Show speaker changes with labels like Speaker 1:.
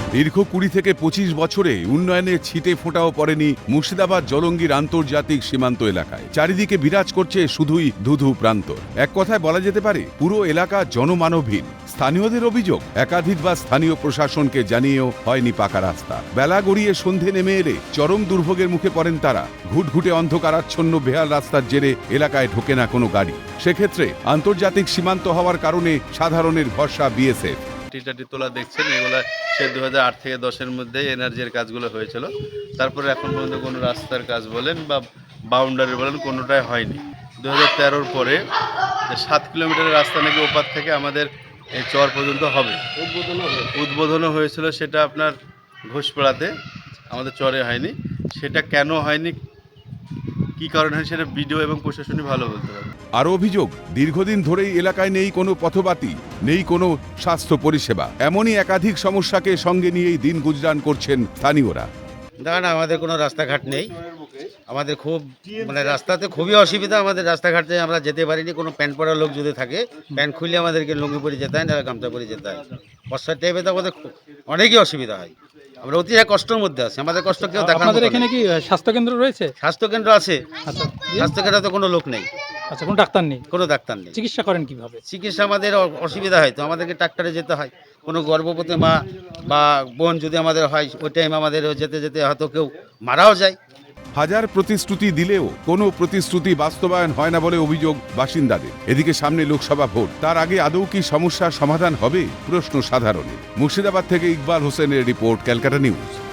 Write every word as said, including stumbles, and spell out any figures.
Speaker 1: দীর্ঘ কুড়ি থেকে পঁচিশ বছরে উন্নয়নের ছিটে ফোঁটাও পড়েনি মুর্শিদাবাদ জলঙ্গির আন্তর্জাতিক সীমান্ত এলাকায়। চারিদিকে বিরাজ করছে শুধুই ধুধু প্রান্তর। এক কথায় বলা যেতে পারে পুরো এলাকা জনমানবহীন। স্থানীয়দের অভিযোগ, একাধিকবার স্থানীয় প্রশাসনকে জানিয়েও হয়নি পাকা রাস্তা। বেলা গড়িয়ে সন্ধে নেমে এলে চরম দুর্ভোগের মুখে পড়েন তারা। ঘুটঘুটে অন্ধকারাচ্ছন্ন বেহাল রাস্তার জেরে এলাকায় ঢোকে না কোনো গাড়ি। সেক্ষেত্রে আন্তর্জাতিক সীমান্ত হওয়ার কারণে সাধারণের ভরসা বিএসএফ।
Speaker 2: টিটাটি তোলা দেখছেন, এগুলো সে দু হাজার আট থেকে দশের মধ্যে এনার্জির কাজগুলো হয়েছিল। তারপরে এখন পর্যন্ত কোনো রাস্তার কাজ বলেন বা বাউন্ডারি বলেন কোনোটাই হয়নি। দু হাজার তেরোর পরে সাত কিলোমিটারের রাস্তা নাকি ওপার থেকে আমাদের এই চর পর্যন্ত হবে, উদ্বোধনও হয়েছিল। সেটা আপনার ঘোষপাড়াতে, আমাদের চরে হয়নি। সেটা কেন হয়নি, কি কারণে হয়, সেটা বিডিও এবং প্রশাসনই ভালো বলতে পারে।
Speaker 1: আরও অভিযোগ, দীর্ঘদিন ধরেই এলাকায় নেই কোনো পথবাতি, নেই কোনো স্বাস্থ্য পরিষেবা। এমনই একাধিক সমস্যাকে সঙ্গে নিয়েই দিন গুজরান করছেন স্থানীয়রা।
Speaker 3: দেখেন, আমাদের কোনো রাস্তাঘাট নেই। আমাদের খুব মানে রাস্তাতে খুবই অসুবিধা। আমাদের রাস্তাঘাটে আমরা যেতে পারিনি। কোনো প্যান্ট পরা লোক যদি থাকে, প্যান্ট খুললে আমাদেরকে লুঙ্গি পরে যেতে হয়, না গামছা পরে যেতে হয়। বর্ষার টাইমে তো আমাদের অনেকই অসুবিধা হয়। আমরা অতি কষ্টের মধ্যে আছি। আমাদের কষ্ট কেউ দেখার
Speaker 4: আপনাদের
Speaker 3: মতো
Speaker 4: এখানে
Speaker 3: নেই।
Speaker 4: কি স্বাস্থ্য কেন্দ্র রয়েছে?
Speaker 3: স্বাস্থ্য কেন্দ্র আছে।
Speaker 4: আচ্ছা,
Speaker 3: স্বাস্থ্য কেন্দ্রে তো কোনো লোক নেই,
Speaker 4: আচ্ছা, কোনো ডাক্তার নেই?
Speaker 3: কোনো ডাক্তার নেই।
Speaker 4: চিকিৎসা করেন কিভাবে?
Speaker 3: চিকিৎসা আমাদের অ- অসুবিধা হয়, তো আমাদেরকে ডাক্তারে যেতে হয়। কোনো গর্ভবতী মা বা বোন যদি আমাদের হয়, ওই টাইম আমাদের যেতে যেতে হয়তো কেউ মারাও যায়।
Speaker 1: হাজার প্রতিশ্রুতি দিলেও কোনো প্রতিশ্রুতি বাস্তবায়ন হয় না বলে অভিযোগ বাসিন্দাদের। এদিকে সামনে লোকসভা ভোট, তার আগে আদৌ কি সমস্যার সমাধান হবে, প্রশ্ন সাধারণের। মুর্শিদাবাদ থেকে ইকবাল হোসেনের রিপোর্ট, ক্যালকাটা নিউজ।